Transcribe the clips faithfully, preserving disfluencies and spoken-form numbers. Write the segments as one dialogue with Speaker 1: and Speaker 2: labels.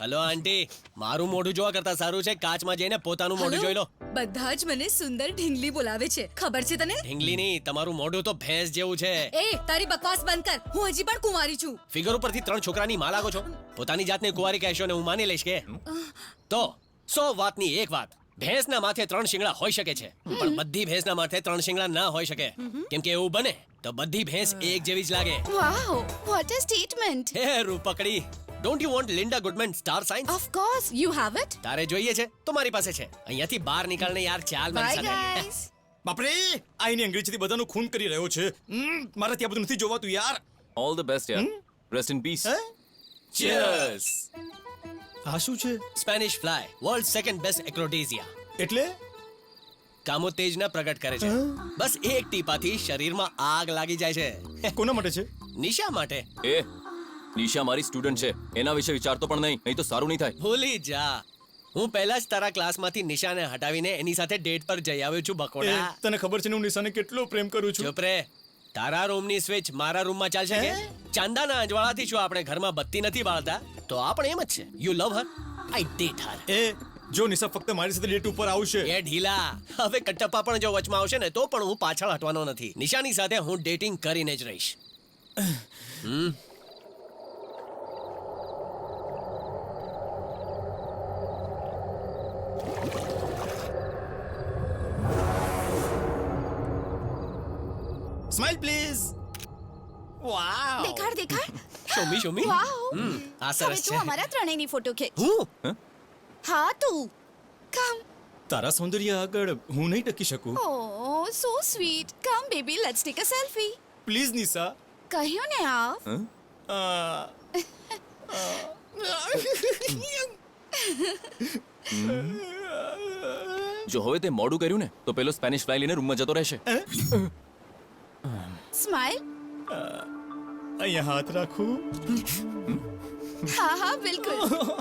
Speaker 1: Hello aunty, મારું મોઢું જોવા કરતા સારું છે કાચમાં જઈને પોતાનું મોઢું જોઈ લો.
Speaker 2: બધા જ મને સુંદર ઢીંગલી બોલાવે છે, ખબર છે તને?
Speaker 1: ઢીંગલી નહીં, તમારું મોઢું તો ભેંસ જેવું છે.
Speaker 2: એ તારી બકવાસ બંધ કર, હું હજી પણ કુંવારી છું.
Speaker 1: ફિગર ઉપરથી ત્રણ છોકરાની માં લાગો છો. પોતાની જાતને કુંવારી કહેશો ને હું માની લઈશ કે? તો સો વાતની એક વાત, ભેંસના માથે ત્રણ શિંગડા હોઈ શકે છે, પણ બધી ભેંસના માથે ત્રણ શિંગડા ના હોઈ શકે. કેમ કે એવું બને તો બધી ભેંસ એક જેવી જ લાગે.
Speaker 3: Wow, what a statement.
Speaker 1: Hey રૂપકડી, don't you want Linda Goodman star science?
Speaker 3: Of course, you have it.
Speaker 1: તારે જોઈએ છે તો મારી પાસે છે. અહીંયાથી બહાર નીકળને યાર, ચાલ મારી
Speaker 3: Bye
Speaker 1: સાથે.
Speaker 3: guys.
Speaker 4: બાપરે, આ એની અંગ્રેજીથી બધાનું ખૂન કરી રહ્યો છે. હમ, મારાથી આ બધું નથી જોવાતું યાર.
Speaker 5: ઓલ ધ બેસ્ટ યાર. Rest in peace.
Speaker 4: હે?
Speaker 1: Cheers.
Speaker 4: આ શું છે?
Speaker 1: Spanish fly, world second best aphrodisia.
Speaker 4: એટલે
Speaker 1: કામોતેજના પ્રગટ કરે છે. બસ એક ટીપાથી શરીરમાં આગ લાગી જાય છે.
Speaker 4: કોના માટે છે?
Speaker 1: નિશા માટે.
Speaker 5: એ નિશા મારી સ્ટુડન્ટ છે, એના વિશે વિચારતો પણ નહીં, નહીં તો સારું નહીં થાય.
Speaker 1: ભૂલી જા, હું પહેલા જ તારા ક્લાસમાંથી નિશાને હટાવીને એની સાથે ડેટ પર જઈ આવ્યો છું
Speaker 4: એ,
Speaker 1: બકોડા.
Speaker 4: તને ખબર છે ને હું નિશાને કેટલો પ્રેમ કરું છું.
Speaker 1: ચૂપ રે, તારા રૂમની સ્વિચ મારા રૂમમાં ચાલશે કે? ચાંદાના અજવાળાથી શું આપણે ઘરમાં બત્તી નથી બાળતા? તો આ પણ એમ જ છે. You love Har, I date હર.
Speaker 4: એ જો નિશા ફક્ત મારી સાથે ડેટ ઉપર આવશે.
Speaker 1: એ ઢીલા, હવે કટપ્પા પણ જો વચમાં આવશે ને તો પણ હું પાછળ હટવાનો નથી. નિશાની સાથે હું ડેટિંગ કરીને જ રહીશ. હમ
Speaker 4: સ્માઈલ પ્લીઝ. વાવ.
Speaker 3: દેખાડ દેખાડ.
Speaker 1: શોમી શોમી.
Speaker 3: Wow.
Speaker 1: હમ આ
Speaker 3: હવે
Speaker 1: સરસ
Speaker 3: તું
Speaker 1: છે.
Speaker 3: અમારા ત્રણેયની ફોટો ખેંચ.
Speaker 1: હું
Speaker 3: હા તું. કમ.
Speaker 4: તારા સૌંદર્ય આગળ હું નહીં ટકી શકું.
Speaker 3: Oh, so sweet. Come baby, let's take a selfie.
Speaker 4: Please Nisha.
Speaker 3: કહ્યું ને આવ.
Speaker 5: હં?
Speaker 4: આ,
Speaker 5: જો હવે તે મોડું કર્યું ને તો પેલો સ્પેનિશ ફ્લાય લઈને રૂમમાં જતો રહેશે.
Speaker 3: Smile.
Speaker 4: અહીંયા હાથ રાખું.
Speaker 3: હા હા બિલકુલ.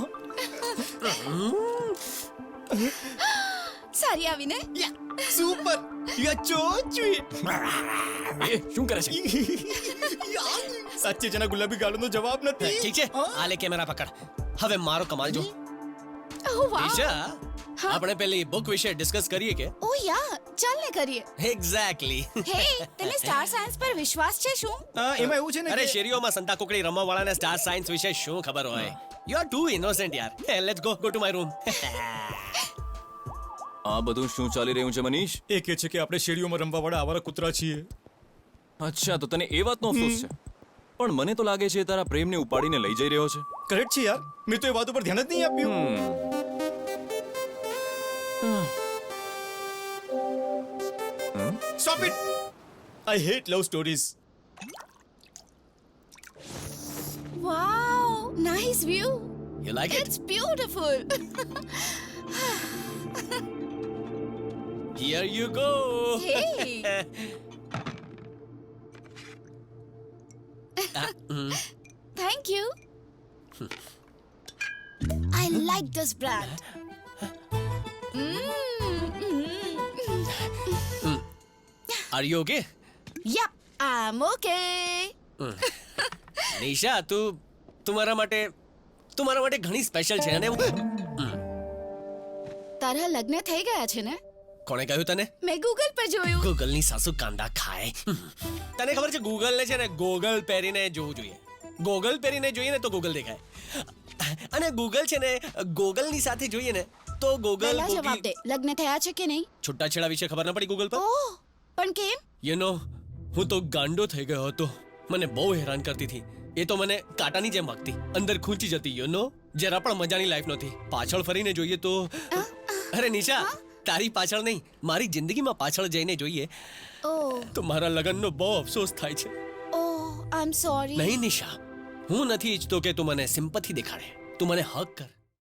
Speaker 3: સારી આવીને.
Speaker 4: Super. You are so sweet.
Speaker 5: એ શું કરે છે?
Speaker 4: સાચે જના ગુલાબી ગાળનો જવાબ નથી.
Speaker 1: ઠીક છે, આ લે કેમેરા પકડ. હવે મારો કમાલ જો.
Speaker 3: Oh wow.
Speaker 1: ઈશા, આપણે પેલી બુક વિશે ડિસ્કસ કરીએ કે?
Speaker 3: Oh yeah, ચાલ ને કરીએ.
Speaker 1: એક્ઝેક્ટલી.
Speaker 3: હે, તને સ્ટાર સાયન્સ પર વિશ્વાસ છે શું?
Speaker 4: હા, એમાં એવું છે ને
Speaker 1: અરે
Speaker 4: કે-
Speaker 1: શેરીઓમાં સંતા કુકડી રમવા વાળાને સ્ટાર સાયન્સ વિશે શું ખબર હોય? યુ આર ટુ ઇનોસેન્ટ યાર. Let's go go to my room.
Speaker 5: આ બધું શું ચાલી રહ્યું છે મનીષ?
Speaker 4: એ કહે છે કે આપણે શેરીઓમાં રમવા વાળા આવારા કૂતરા છીએ.
Speaker 5: અચ્છા, તો તને એ વાતનો અફસોસ છે. પણ મને તો લાગે છે તારા પ્રેમને ઉપાડીને લઈ જઈ રહ્યો છે.
Speaker 4: કરેક્ટ છે યાર, મેં તો એ વાત ઉપર ધ્યાન જ નહીં આપ્યું. Stop it! I hate love stories.
Speaker 3: Wow, nice view.
Speaker 1: You like it?
Speaker 3: It's beautiful.
Speaker 1: Here you go.
Speaker 3: Hey.
Speaker 1: Ah, mm.
Speaker 3: Thank you. I like this brand. Mm.
Speaker 1: Are you okay?
Speaker 3: Yep, I'm okay.
Speaker 1: Nisha, તું તું મારા માટે તું મારા માટે ઘણી special છે અને હું-
Speaker 3: તારા લગ્ન થઈ ગયા છે ને?
Speaker 1: કોણે કહ્યું તને?
Speaker 3: મેં ગૂગલ પર જોયું.
Speaker 1: ગૂગલની સાસુ કાંદા ખાય. તને ખબર છે ગૂગલને છે ને ગોગલ પહેરીને જોવું જોઈએ. ગોગલ પહેરીને જોઈએ ને તો ગૂગલ દેખાય, અને ગૂગલ છે ને ગોગલની સાથે જોઈએ ને તો ગોગલ
Speaker 3: પહેલા જવાબ દે, લગ્ન થયા છે કે નહીં?
Speaker 1: છૂટાછેડા વિશે ખબર ન પડી ગૂગલ પર?
Speaker 3: ઓહ, પણ કેમ?
Speaker 1: યુ નો, હું તો ગાંડો થઈ ગયો હતો. મને બહુ હેરાન કરતી હતી. એ તો મને કાંટાની જેમ વાગતી, અંદર ખૂંચી જતી. યુ નો, જરા પણ મજાની લાઈફ નહોતી. પાછળ ફરીને જોઈએ તો અરે નિશા, તારી પાછળ નહીં, મારી જિંદગીમાં પાછળ જઈને જોઈએ
Speaker 3: ઓહ,
Speaker 1: તો મારા લગ્નનો બહુ અફસોસ થાય છે.
Speaker 3: Oh, I am sorry.
Speaker 1: નહીં નિશા, હું નથી ઈચ્છતો કે તું મને સિમ્પથી દેખાડે. તું મને હગ કર.